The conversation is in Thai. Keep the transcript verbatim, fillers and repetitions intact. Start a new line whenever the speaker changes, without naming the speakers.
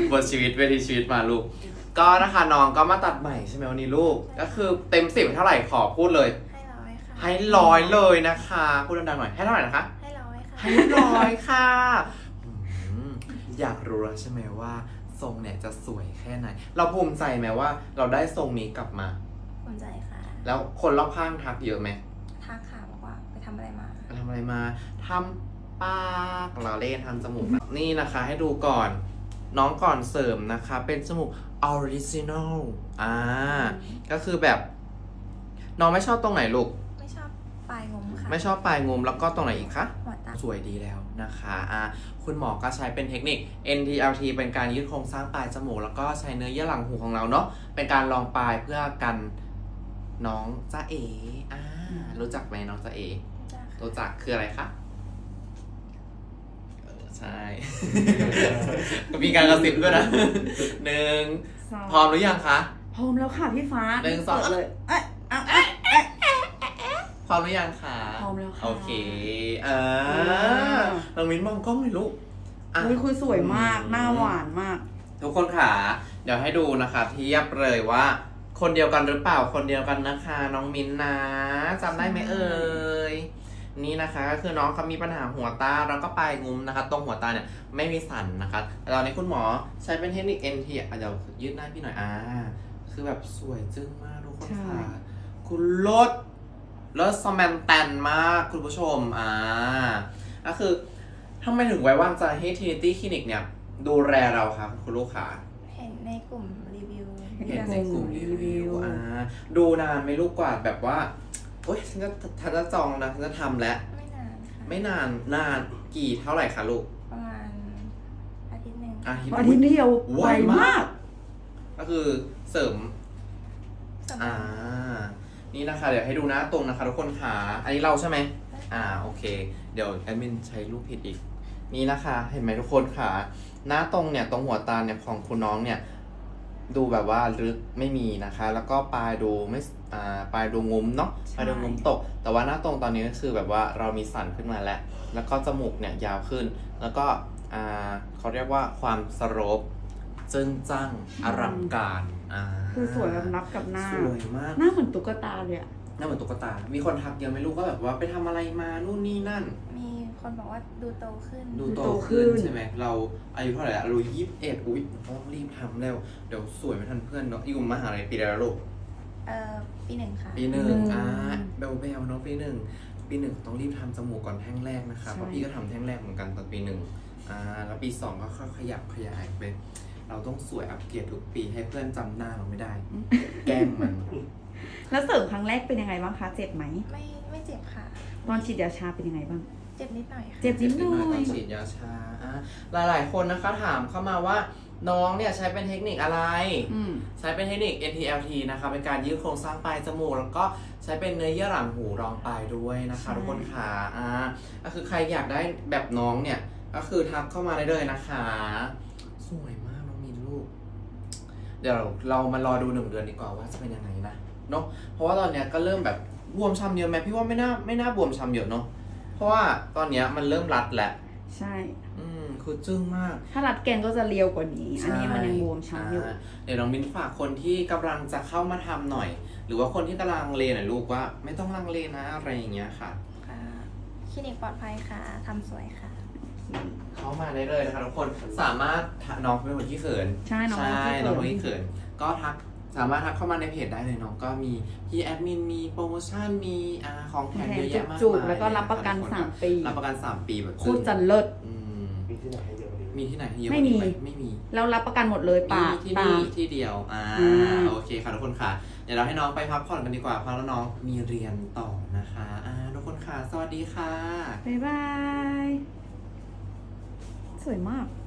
บทชีวิตเวทีชีวิตมาลูกก็นะคะน้องก็มาตัดใหม่ใช่ไหมวันนี้ลูกก็คือเต็มสิบเท่าไหร่ขอพูดเลย
ให้ร้อยค่ะ
ให้ร้อยเลยนะคะพูดดังๆหน่อยให้เท่าไหร่นะคะ
ให้ร้อยค่ะ
ให้ร้อยค่ะอยากรู้แล้วใช่ไหมว่าทรงเนี่ยจะสวยแค่ไหนเราภูมิใจไหมว่าเราได้ทรงนี้กลับมา
ภูมิใจค่ะ
แล้วคนรอบข้างทักเยอะไหม
ทักค่ะบอกว่าไปทำอะไรมา
ไปทำอะไรมาทำปากเราเล่นทำจมูกนี่นะคะให้ดูก่อนน้องก่อนเสริมนะคะเป็นจมูกออริจินอลอ่าก็คือแบบน้องไม่ชอบตรงไหนลูก
ไม่ชอบปลายงมค่ะ
ไม่ชอบปลายงมแล้วก็ตรงไหนอีกคะ
หัวตา
สวยดีแล้วนะคะอ่าคุณหมอก็ใช้เป็นเทคนิค เอ็น ที แอล ที เป็นการยืดโครงสร้างปลายจมูกแล้วก็ใช้เนื้อเยื่อหลังหูของเราเนาะเป็นการรองปลายเพื่อกันน้องจ๊ะเอ๋อ่ารู้จักไหมน้องจ๊ะเอ๋รู้จักคืออะไรคะใช่ มีการกระซิบด้วยนะหนึ่งพร้อมหรือยังคะ
พร้อมแล้วค่ะพี่ฟ้า
หนึ่งสอง
เลยเอ๊ะเอ๊ะเอ๊ะ
พร้อมหรือยังคะ
พร้อมแล้วค่ะ
โอเคอ่าน้องมิ้นมองกล้องหน่อยลูก
อ่ะคุณสวยมากหน้าหวานมาก
ทุกคนค่ะเดี๋ยวให้ดูนะคะเทียบเลยว่าคนเดียวกันหรือเปล่าคนเดียวกันนะคะน้องมิ้นนะจำได้ไหมเอ่ยนี่นะคะก็คือน้องเขามีปัญหาหัวตาแล้วก็ปลายงุ้มนะคะตรงหัวตาเนี่ยไม่มีสันนะคะแต่ตอนนี้คุณหมอใช้เป็นเทคนิค เอ็น ที เดี๋ยวยืดหน้าพี่หน่อยอ่าคือแบบสวยจึ้งมากทุกคนค่ะคุณลดลดสแมนแตนมากคุณผู้ชมอ่าก็คือทำไมถึงไว้วางใจให้ Trinity Clinic เนี่ยดูแลเราครับคุณลูกค้า
เห็นในกลุ่มรีวิว
เห็นในกลุ่มรีวิวอ่าดูนานไหมลูกกว่าแบบว่าโอ๊ยฉันจะฉันจะจองนะฉันจะทำแล้ว
ไม่นานค่ะ
ไม่นานนานกี่เท่าไหร่คะลูก
ประมาณอาทิตย์หนึ่ง
อาทิตย์เดียวไวมาก
ก็คือเสริมอ่านี่นะคะเดี๋ยวให้ดูหน้าตรงนะคะทุกคนค่ะอันนี้เราใช่ไหมอ่าโอเคเดี๋ยวแอดมินใช้รูปผิดอีกนี่นะคะเห็นไหมทุกคนค่ะหน้าตรงเนี่ยตรงหัวตาเนี่ยของคุณน้องเนี่ยดูแบบว่าลึกไม่มีนะคะแล้วก็ปลายดูไม่อ่าปลายดูงุ้มเนาะปลายดูงุ้มตกแต่ว่าหน้าตรงตอนนี้ก็คือแบบว่าเรามีสันขึ้นมาแล้วแล้วก็จมูกเนี่ยยาวขึ้นแล้วก็อ่าเขาเรียกว่าความสโลปจึ้งจั้งอลังการอ่า
คือสวยแบบนับกับหน้า
สวยมาก
หน้าเหมือนตุ๊กตาเลยอะ
หน้าเหมือนตุ๊กตามีคนทักเยอะไหมลูกก็แบบว่าไปทำอะไรมานู่นนี่นั่น
มีคนบอกว่าดูโตขึ้น
ดูโตขึ้นใช่ไหมเราอายุเท่าไหร่เรายี่สิบเอ็ดอุ้ยต้องรีบทำแล้วเดี๋ยวสวยไม่ทันเพื่อนเนาะอยู่มหาลัยปีอะไรแล้วลูก
เอ่อปีหนึ่งค่ะ
ปีหนึ่งอ่าเบลเบลเนาะปีหนึ่งปีหนึ่งต้องรีบทำจมูกก่อนแท่งแรกนะคะเพราะพี่ก็ทำแท่งแรกเหมือนกันตอนปีหนึ่งอ่าแล้วปีสองก็ค่อยขยับขยายไปเราต้องสวยอัปเกรดทุกปีให้เพื่อนจำหน้าเราไม่ได้แกล้งมัน
แล้วเสริมครั้งแรกเป็นยังไงบ้างคะเจ็บไหม
ไม่ไม่เจ็บค่ะ
ตอนฉีดยาชาเป็นยังไงบ้าง
เจ็บนิดหน่อยค่ะ
เจ็บนิดหน่อย
ตอนฉีดยาชาหลายหลายคนนะคะถามเข้ามาว่าน้องเนี่ยใช้เป็นเทคนิคอะไรใช้เป็นเทคนิค เอ็น ที แอล ที นะคะเป็นการยืดโครงสร้างปลายจมูกแล้วก็ใช้เป็นเนื้อเยื่อหลังหูรองปลายด้วยนะคะทุกคนค่ะอ่าก็คือใครอยากได้แบบน้องเนี่ยก็คือทักเข้ามาได้เลยนะคะสวยมากน้องมินลูกเดี๋ยวเรามารอดูหนึ่งเดือนดีกว่าว่าจะเป็นยังไงนะเนาะเพราะว่าตอนเนี้ยก็เริ่มแบบบวมช้ำเยอะไหมพี่ว่าไม่น่าไม่น่าบวมช้ำเยอะเนาะเพราะว่าตอนเนี้ยมันเริ่มรัดแหละ
ใช่
อืมคือจึ้งมาก
ถ้ารัดแกนก็จะเรียวกว่านี้อันนี้มันยังบวมช้ำอยู่
เดี๋ยวน้องมิ้นฝากคนที่กำลังจะเข้ามาทำหน่อยหรือว่าคนที่กำลังเลหน่อยลูกว่าไม่ต้องลังเลนะอะไรอย่างเงี้ยค่ะ
คลินิกปลอดภัยค่ะทำสวยค่ะ
เข้ามาได้เลยนะคะทุกคนสามารถน้องเป็นคนที่เขิน
ใช่น้อง
น้องเป็นคนที่เขินก็ทักสามารถทักเข้ามาในเพจได้เลยน้องก็มีพี่แอดมินมีโปรโมชั่นมีอ่าของแถมเยอะแยะมากมาย
แล้วก็รับประกันสามปี
รับประกันสามปีแบบ
โคตรจันเลิศ
มีที่ไหนให้เยอะมีที่ไหนให้เยอะ
ไม่มี
ไม่มี
แล้วรับประกันหมดเลยป่า
ที่นี่ที่เดียวอ่าโอเคค่ะทุกคนค่ะเดี๋ยวเราให้น้องไปพักผ่อนกันดีกว่าเพราะแล้วน้องมีเรียนต่อนะคะอ่าทุกคนค่ะสวัสดีค่ะ
บ๊ายบายสวยมาก